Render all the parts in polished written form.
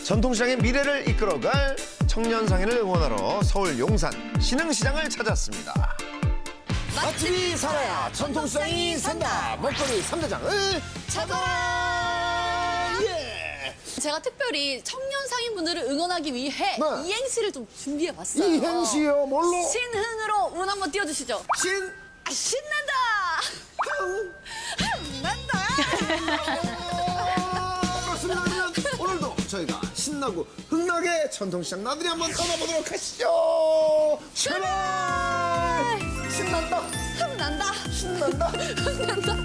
전통시장의 미래를 이끌어갈 청년 상인을 응원하러 서울 용산 신흥시장을 찾았습니다. 맛집이 살아야 전통시장이 산다. 먹거리 3대장을 찾아라. 예. 제가 특별히 청년 상인분들을 응원하기 위해 네. 이행시를 좀 준비해봤어요. 이행시요? 뭘로? 신흥으로 운 한번 띄워주시죠. 신난다! 그렇습니다. 오늘도 저희가 신나고 흥나게 전통시장 나들이 한번 떠나보도록 하시죠. 출발! 신난다. 흥난다! 신난다. 흥난다!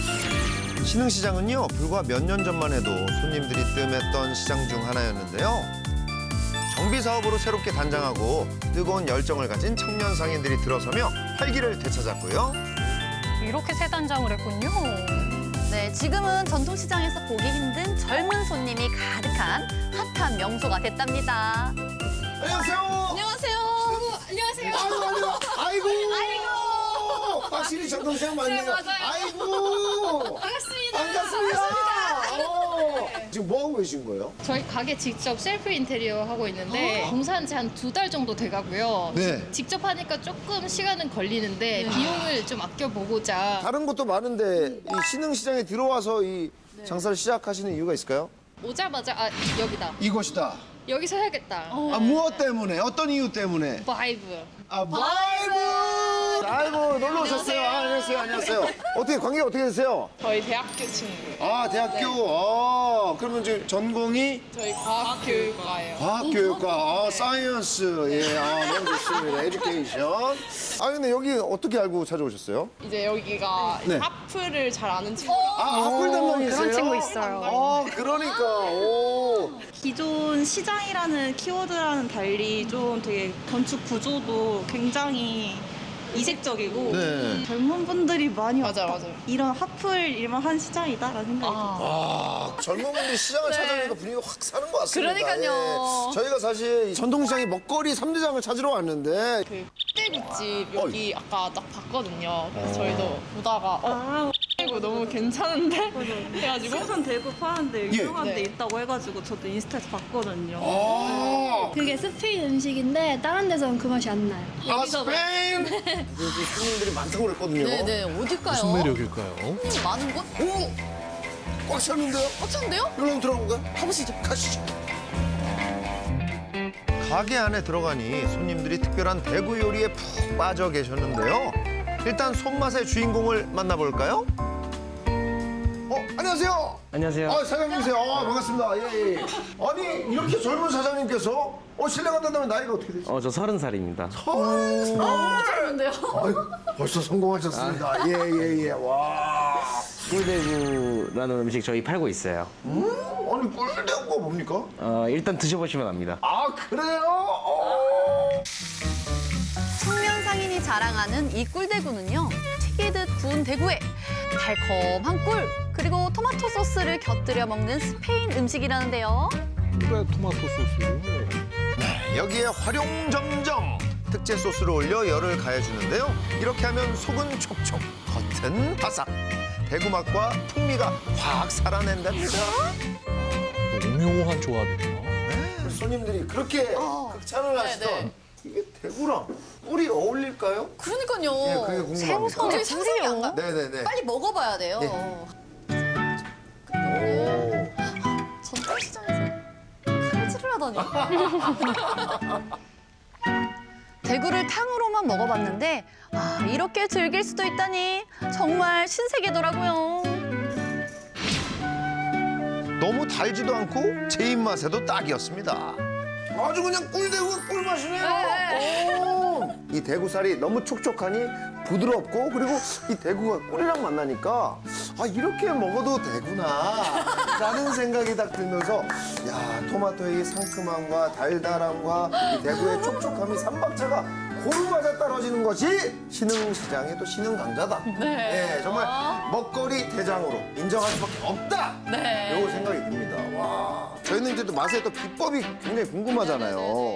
신흥시장은요, 불과 몇 년 전만 해도 손님들이 뜸했던 시장 중 하나였는데요. 정비 사업으로 새롭게 단장하고 뜨거운 열정을 가진 청년 상인들이 들어서며 활기를 되찾았고요. 이렇게 새 단장을 했군요. 네, 지금은 전통시장에서 보기 힘든 젊은 손님이 가득한 핫한 명소가 됐답니다. 안녕하세요. 안녕하세요. 안녕하세요. 아이고. 확실히 전통시장 맞네요. 네, 맞아요. 아이고. 반갑습니다. 지금 뭐 하고 계신 거예요? 저희 가게 직접 셀프 인테리어 하고 있는데 공사한 지 한 2달 정도 돼가고요. 네. 직접 하니까 조금 시간은 걸리는데 비용을 좀 아껴보고자 다른 것도 많은데 이 신흥시장에 들어와서 이 장사를 시작하시는 이유가 있을까요? 오자마자 여기다. 이것이다. 여기서 해야겠다. 무엇 때문에? 어떤 이유 때문에? 바이브. 바이브! 아이고, 놀러 오셨어요. 안녕하세요. 어떻게, 관계가 어떻게 되세요? 저희 대학교 친구. 대학교. 그러면 지금 전공이 저희 과학교육과예요. 과학교육과, 사이언스. 예, 너무 좋습니다. 에듀케이션. 근데 여기 어떻게 알고 찾아오셨어요? 이제 여기가 네. 하프를 잘 아는 친구라. 학불 담당이세요? 그런 친구 있어요. 그러니까. 오. 기존 시장이라는 키워드와는 달리 좀 되게 건축 구조도 굉장히 이색적이고 네. 젊은 분들이 많이 맞아, 왔다. 맞아. 이런 하플 일만 한 시장이다라는 생각이 들어요. 젊은 분들이 시장을 찾아오니까 분위기가 확 사는 것 같습니다. 그러니까요. 예. 저희가 사실 이 전통시장의 먹거리 3대장을 찾으러 왔는데 그 떼국집 여기 아까 딱 봤거든요. 그래서 저희도 보다가 이거 너무 괜찮은데? 해가지고 생선 대구 파는데 예. 유명한 데 네. 있다고 해가지고 저도 인스타에서 봤거든요. 그게 스페인 음식인데 다른 데서는 그 맛이 안 나요. 스페인! 여기 손님들이 많다고 그랬거든요. 네네, 어딜까요? 무슨 매력일까요? 많은 곳? 오! 꽉 찼는데요? 꽉 찼는데요? 여기 한번 들어가볼까요? 가보시죠. 가시죠. 가게 안에 들어가니 손님들이 특별한 대구 요리에 푹 빠져 계셨는데요. 일단 손맛의 주인공을 만나볼까요? 안녕하세요. 안녕하세요. 사장님이세요. 반갑습니다. 예. 아니, 이렇게 젊은 사장님께서 실례가 된다면 나이가 어떻게 되세요? 저 30살입니다. 좋은데요? 벌써 성공하셨습니다. 예. 와. 꿀대구라는 음식 저희 팔고 있어요. 아니, 꿀대구가 뭡니까? 일단 드셔보시면 압니다. 그래요? 청년 상인이 자랑하는 이 꿀대구는요, 튀기듯 구운 대구에 달콤한 꿀, 그리고 토마토 소스를 곁들여 먹는 스페인 음식이라는데요. 왜 토마토 소스를? 여기에 활용점정 특제 소스를 올려 열을 가해주는데요. 이렇게 하면 속은 촉촉, 겉은 바삭. 대구 맛과 풍미가 확 살아낸답니다. 오묘한 조합이네요. 손님들이 그렇게 극찬을 하시던 이게 대구랑 꿀이 어울릴까요? 그러니까요. 예, 그게 궁금합니다. 어떻게 상상이 안 가? 네네네. 빨리 먹어봐야 돼요. 오. 전통시장에서 칼질을 하다니. 대구를 탕으로만 먹어봤는데 이렇게 즐길 수도 있다니 정말 신세계더라고요. 너무 달지도 않고 제 입맛에도 딱이었습니다. 아주 그냥 꿀대구가 꿀맛이네요. 이 대구살이 너무 촉촉하니 부드럽고 그리고 이 대구가 꿀이랑 만나니까 이렇게 먹어도 되구나 라는 생각이 딱 들면서 야, 토마토의 이 상큼함과 달달함과 이 대구의 촉촉함이 삼박자가 고루 맞아 떨어지는 것이 신흥시장의 또 신흥강자다. 네, 정말 먹거리 대장으로 인정할 수밖에 없다. 네. 이런 생각이 듭니다. 와, 저희는 이제 또 맛의 또 비법이 굉장히 궁금하잖아요.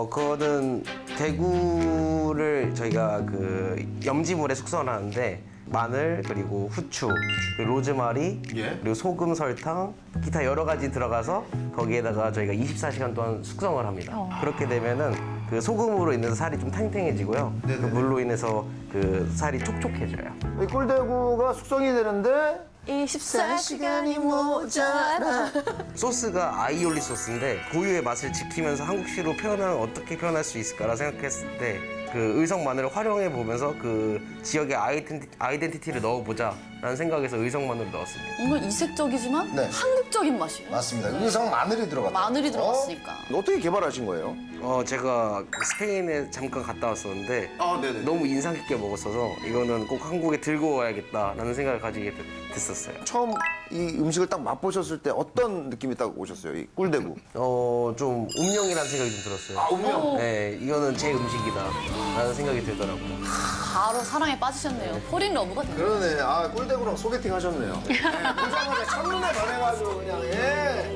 그거는 대구를 저희가 그 염지물에 숙성을 하는데 마늘 그리고 후추, 그리고 로즈마리, 예. 그리고 소금, 설탕, 기타 여러 가지 들어가서 거기에다가 저희가 24시간 동안 숙성을 합니다. 그렇게 되면은 그 소금으로 인해서 살이 좀 탱탱해지고요. 그 물로 인해서 그 살이 촉촉해져요. 이 꿀대구가 숙성이 되는데 24시간이 모자라. 소스가 아이올리 소스인데 고유의 맛을 지키면서 한국식으로 표현하면 어떻게 표현할 수 있을까라 생각했을 때 그 의성 마늘을 활용해 보면서 그 지역의 아이덴티티를 넣어보자라는 생각에서 의성 마늘을 넣었습니다. 뭔가 이색적이지만 네. 한국적인 맛이에요. 맞습니다. 의성 마늘이 들어갔다. 마늘이 들어갔으니까. 어떻게 개발하신 거예요? 제가 스페인에 잠깐 갔다 왔었는데 아, 네네. 너무 인상 깊게 먹었어서 이거는 꼭 한국에 들고 와야겠다라는 생각을 가지게 됐었어요. 처음 이 음식을 딱 맛보셨을 때 어떤 느낌이 딱 오셨어요? 이 꿀대구. 좀 운명이라는 생각이 좀 들었어요. 운명. 네, 이거는 제 음식이다라는 생각이 들더라고요. 바로 사랑에 빠지셨네요. 폴인 러브가 돼요. 그러네. 아, 꿀대구랑 소개팅 하셨네요. 네, 보자마자 첫눈에 반해가지고 그냥, 예.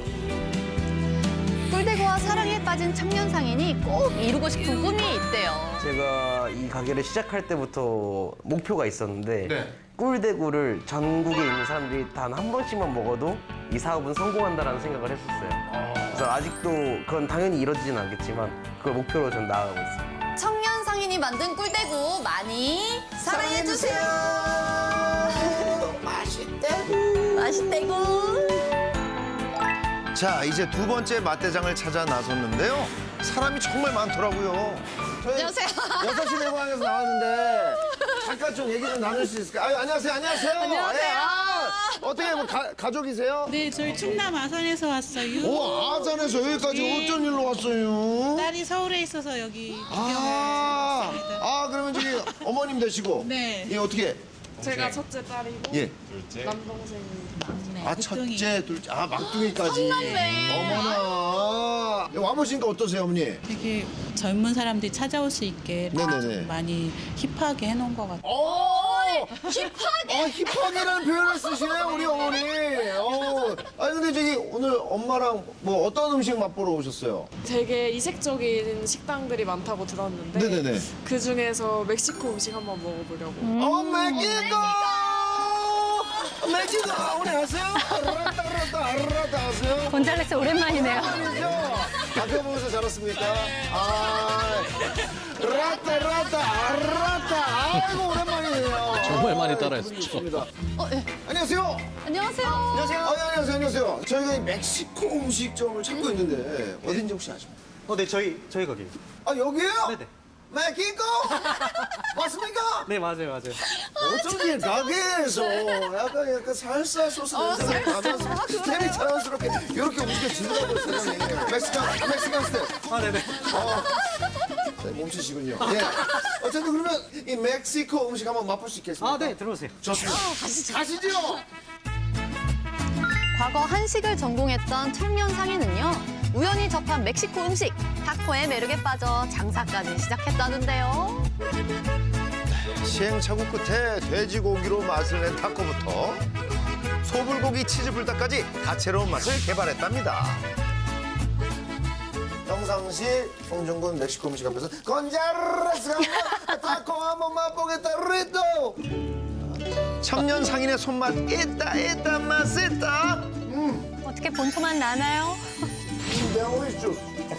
꿀대구와 사랑에 빠진 청년 상인이 꼭 이루고 싶은 꿈이 있대요. 제가 이 가게를 시작할 때부터 목표가 있었는데 네. 꿀대구를 전국에 있는 사람들이 단 한 번씩만 먹어도 이 사업은 성공한다라는 생각을 했었어요. 그래서 아직도 그건 당연히 이루어지진 않겠지만 그걸 목표로 전 나아가고 있습니다. 청년 상인이 만든 꿀대구 많이 사랑해주세요. 맛있대구. 자, 이제 두 번째 맛대장을 찾아 나섰는데요. 사람이 정말 많더라고요. 안녕하세요. 6시 내고향에서 나왔는데 잠깐 좀 얘기 좀 나눌 수 있을까요? 아유, 안녕하세요. 안녕하세요. 안녕하세요. 예, 어떻게 뭐 가족이세요? 네, 저희 충남 아산에서 왔어요. 오, 아산에서 여기까지 어쩐 일로 왔어요? 딸이 서울에 있어서 여기 아, 그러면 저기 어머님 되시고. 네. 예, 어떻게? 제가 첫째 딸이고 예. 남동생이 아, 첫째, 둘째, 아, 막둥이까지. 어머나. 와보시니까 어떠세요, 어머니? 되게 젊은 사람들이 찾아올 수 있게 네네네. 좀 많이 힙하게 해놓은 것 같아요. 힙하게? 힙하게라는 표현을 쓰시네요, 우리 어머니. 아니, 근데 저기 오늘 엄마랑 뭐 어떤 음식 맛보러 오셨어요? 되게 이색적인 식당들이 많다고 들었는데 네네네. 그 중에서 멕시코 음식 한번 먹어보려고. 멕시코! 멕시코! 우리 아세요? 아르라타 아세요? 곤잘레스 오랜만이네요. 아니죠? 앞에 보면서 자랐습니까? 아, 라타, 아이고, 오랜만이에요. 정말 많이 따라했죠. 좋습니다. 예. 안녕하세요. 안녕하세요. 안녕하세요. 저희가 이 멕시코 음식점을 찾고 있는데 어딘지 혹시 아십니까? 네, 저희 거기. 아, 여기에요? 네네. 멕시코? 맞습니까? 네, 맞아요. 어쩐지 가게에서 약간 살사 소스 냄새가 나면서 스텝이 자연스럽게 이렇게 움직여진다고 생각해요. 멕시칸 스텝. 네네. 네, 멈추시군요. 예. 어쨌든 그러면 이 멕시코 음식 한번 맛볼 수 있겠습니까? 네, 들어오세요. 좋습니다. 가시죠. 과거 한식을 전공했던 청년 상인은요. 우연히 접한 멕시코 음식, 타코의 매력에 빠져 장사까지 시작했다는데요. 시행착오 끝에 돼지고기로 맛을 낸 타코부터 소불고기 치즈 불닭까지 다채로운 맛을 개발했답니다. 평상시 송중근 멕시코 음식 앞에서 건자르스 타코 한번 맛보겠다 리또. 청년 상인의 손맛 있다 맛있다. 어떻게 본토만 나나요? 매워있죠.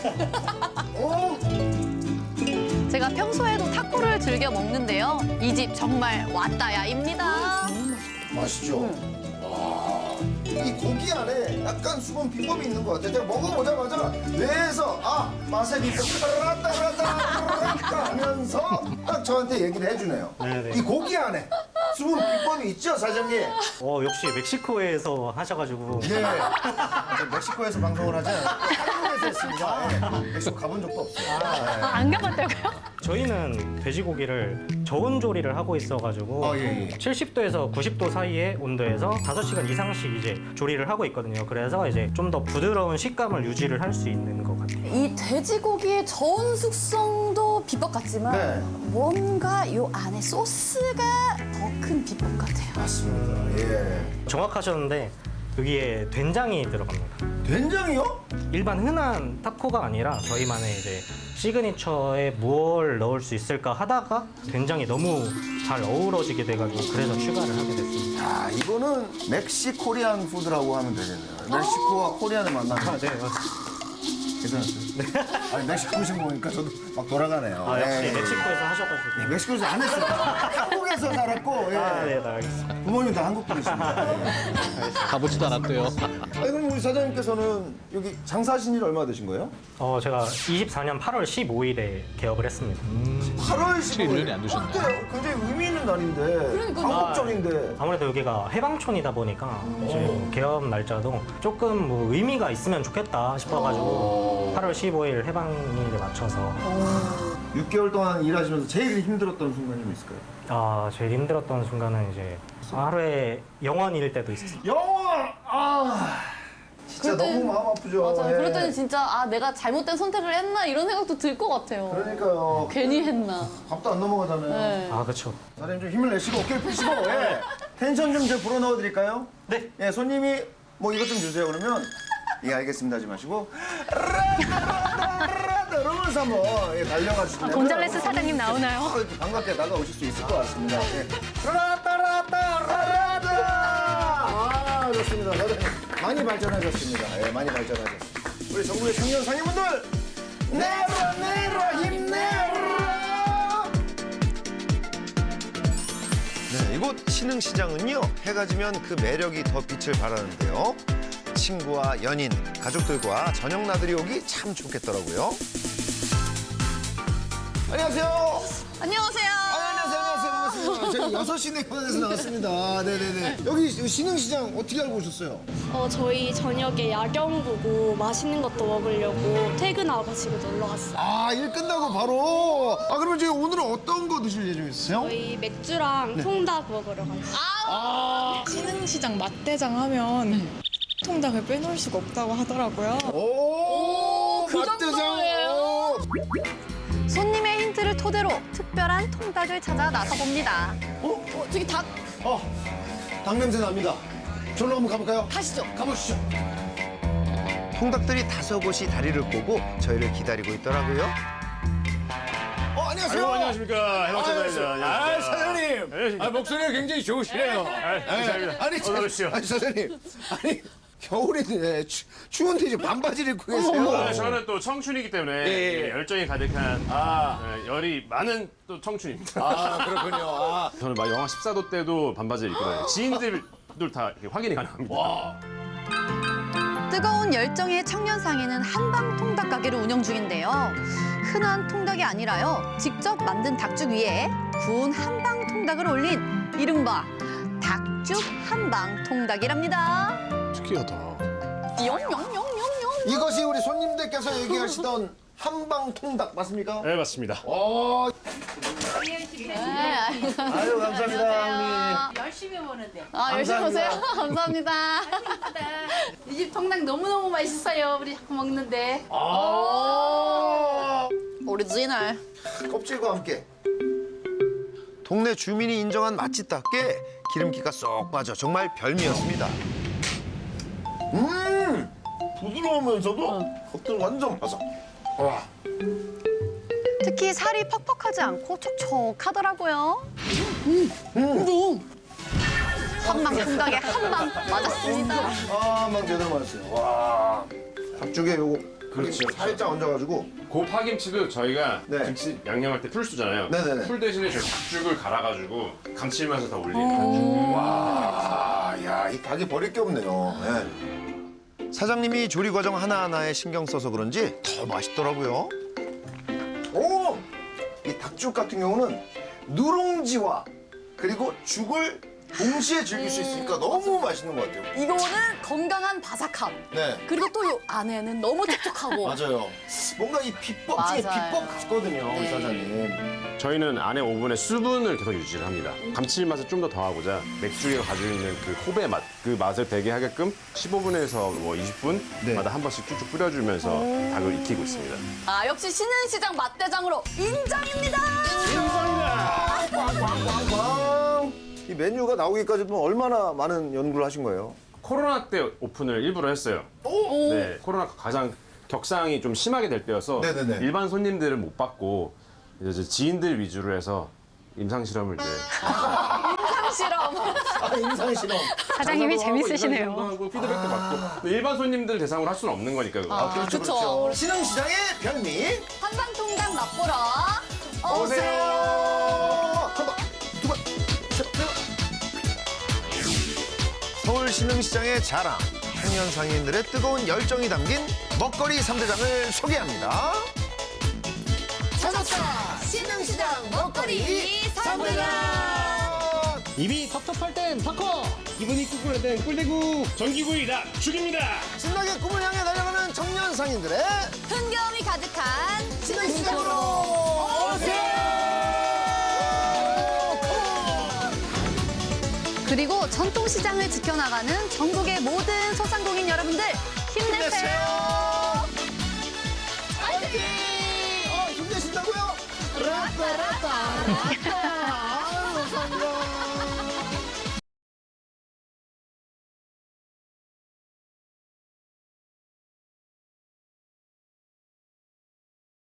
제가 평소에도 타코를 즐겨 먹는데요. 이 집 정말 왔다야입니다. 맛있죠? 이 고기 안에 약간 수분 비법이 있는 것 같아요. 제가 먹어보자마자 뇌에서 맛의 비법 따라따라따 하면서 딱 저한테 얘기를 해주네요. 네네. 이 고기 안에 수분 비법이 있죠, 사장님? 역시 멕시코에서 하셔가지고. 네. 저 멕시코에서 방송을 하지 않아요. 한국에서 했습니다. 네. 멕시코 가본 적도 없어요. 안 가봤다고요? 저희는 돼지고기를 저온 조리를 하고 있어가지고 70도에서 90도 사이의 온도에서 5시간 이상씩 이제 조리를 하고 있거든요. 그래서 이제 좀 더 부드러운 식감을 유지를 할 수 있는 것 같아요. 이 돼지고기의 저온 숙성도 비법 같지만 네. 뭔가 요 안에 소스가 더 큰 비법 같아요. 맞습니다. 예. 정확하셨는데 여기에 된장이 들어갑니다. 된장이요? 일반 흔한 타코가 아니라 저희만의 이제 시그니처에 뭘 넣을 수 있을까 하다가 된장이 너무 잘 어우러지게 돼가지고 그래서 추가를 하게 됐습니다. 야, 이거는 멕시코리안 푸드라고 하면 되겠네요. 멕시코와 코리안을 만나면 네, 맞습니다. 괜찮았어요? 네. 아니, 멕시코 음식 먹으니까 저도 막 돌아가네요. 아, 역시 예. 멕시코에서 하셔가지고. 네, 멕시코에서 안 했어요. 한국에서 살았고, 예. 아, 네, 알겠습니다. 부모님 다 한국 분이십니다. 예. 가보지도 않았대요. 아니, 그럼 우리 사장님께서는 여기 장사하신 지 얼마 되신 거예요? 제가 24년 8월 15일에 개업을 했습니다. 8월 15일. 1년이 안 되셨네. 어때요? 굉장히 의미 있는 날인데. 한국적인데. 아무래도 여기가 해방촌이다 보니까 이제 개업 날짜도 조금 뭐 의미가 있으면 좋겠다 싶어가지고 8월 15일 해방일에 맞춰서 6개월 동안 일하시면서 제일 힘들었던 순간이 뭐 있을까요? 제일 힘들었던 순간은 이제 하루에 영원일 때도 있었어요. 영원! 진짜 그럴 땐- 너무 마음 아프죠. 맞아요. 예. 그럴 때는 진짜 내가 잘못된 선택을 했나 이런 생각도 들 것 같아요. 그러니까요. 괜히 했나. 밥도 안 넘어가잖아요. 네. 그렇죠. 사장님 좀 힘을 내시고 어깨를 펴시고 예. 텐션 좀 제가 불어 넣어드릴까요? 네. 예, 손님이 뭐 이것 좀 주세요 그러면 예 알겠습니다 하지 마시고 이러면서 한번 예, 달려가시면 곤잘레스 사장님 나오나요? 이렇게 반갑게 나가오실 수 있을 것 같습니다. 예. 라따라따라라따 좋습니다. 사장님 많이 발전하셨습니다. 예, 많이 발전하셨습니다. 우리 전국의 청년 상인분들 내라 힘내라. 네, 이곳 신흥시장은요 해가 지면 그 매력이 더 빛을 발하는데요. 친구와 연인, 가족들과 저녁 나들이 오기 참 좋겠더라고요. 안녕하세요. 안녕하세요. 안녕하세요. 반갑습니다. 저희 6시 내권에서 나왔습니다. 네네네. 여기 신흥시장 어떻게 알고 오셨어요? 저희 저녁에 야경 보고 맛있는 것도 먹으려고 퇴근하고 놀러 왔어요. 일 끝나고 바로. 그러면 저희 오늘은 어떤 거 드실 예정 있으세요? 저희 맥주랑 통닭 먹으러 가요. 신흥시장 맛대장 하면 통닭을 빼놓을 수가 없다고 하더라고요. 그 맛대장. 정도예요? 손님의 힌트를 토대로 특별한 통닭을 찾아 나서봅니다. 저기 닭 닭 냄새 납니다. 저로 한번 가볼까요? 가시죠. 가보시죠. 통닭들이 다섯 곳이 다리를 꼬고 저희를 기다리고 있더라고요. 안녕하세요. 안녕하십니까. 해방촌입니다. 사장님. 목소리가 굉장히 좋으시네요. 감사합니다. 어서 오십시오. 사장님. 겨울인데 추운데 이제 반바지를 입고 계세요. 저는 또 청춘이기 때문에 열정이 가득한 열이 많은 또 청춘입니다. 그렇군요. 저는 막 영하 14도 때도 반바지를 입고 다녀요. 지인들도 다 이렇게 확인이 가능합니다. 뜨거운 열정의 청년 상인은 한방 통닭 가게를 운영 중인데요. 흔한 통닭이 아니라요. 직접 만든 닭죽 위에 구운 한방 통닭을 올린 이른바 닭죽 한방 통닭이랍니다. 특이하다. 영영영영영. 이것이 우리 손님들께서 얘기하시던 한방 통닭 맞습니까? 네, 맞습니다. 아유 감사합니다. 열심히 보는데. 열심히 오세요. 감사합니다. 이 집 통닭 너무너무 맛있어요. 우리 자꾸 먹는데. 오리지널. 껍질과 함께 동네 주민이 인정한 맛집답게 기름기가 쏙 빠져 정말 별미였습니다. 부드러우면서도 겉은 완전 바삭. 와. 특히 살이 퍽퍽하지 않고 촉촉하더라고요. 한방 통닭에 한방 맞았습니다. 한방 제대로 맞았어요. 와. 닭죽에 요거 그렇죠. 살짝 얹어가지고 고 파김치도 저희가 네. 김치 양념할 때 풀 쓰잖아요. 네네네. 풀 대신에 저희 닭죽을 갈아가지고 감칠맛을 더 올리는 와, 야, 이 닭이 버릴 게 없네요. 네. 사장님이 조리 과정 하나하나에 신경 써서 그런지 더 맛있더라고요. 오! 이 닭죽 같은 경우는 누룽지와 그리고 죽을 동시에 즐길 수 있으니까 너무 맛있는 것 같아요. 이거는 건강한 바삭함. 네. 그리고 또 이 안에는 너무 촉촉하고. 맞아요. 뭔가 이 비법 중에 맞아요. 비법 같거든요, 우리 네. 사장님. 저희는 안에 오븐에 수분을 계속 유지를 합니다. 감칠맛을 좀 더 더하고자 맥주가 가지고 있는 그 호배 맛, 그 맛을 배게 하게끔 15분에서 뭐 20분마다 한 번씩 쭉쭉 뿌려주면서 닭을 익히고 있습니다. 역시 신흥시장 맛대장으로 인정입니다. 꽝꽝꽝꽝. 이 메뉴가 나오기까지 얼마나 많은 연구를 하신 거예요? 코로나 때 오픈을 일부러 했어요. 네, 코로나가 가장 격상이 좀 심하게 될 때여서 네네네. 일반 손님들을 못 받고 이제 지인들 위주로 해서 임상 실험을 이제 임상 실험. 사장님이 장사도 하고 재밌으시네요. 임상 실험도 하고 피드백도 받고 일반 손님들 대상으로 할 수는 없는 거니까 그거. 그렇죠. 신흥시장의 별미. 한방통닭 맛보러 오세요. 한 번, 두 번, 셋, 넷. 서울 신흥시장의 자랑. 청년 상인들의 뜨거운 열정이 담긴 먹거리 3대장을 소개합니다. 찾았다! 신흥시장 먹거리 3대장! 입이 텁텁할 땐 타코. 기분이 꿀꿀할 땐 꿀대구 전기구이다 죽입니다. 신나게 꿈을 향해 달려가는 청년 상인들의 흥겨움이 가득한 신흥시장으로 오세요! 그리고 전통시장을 지켜나가는 전국의 모든 소상공인 여러분들 힘내세요. 화이팅! 힘내신다고요? 라따라따.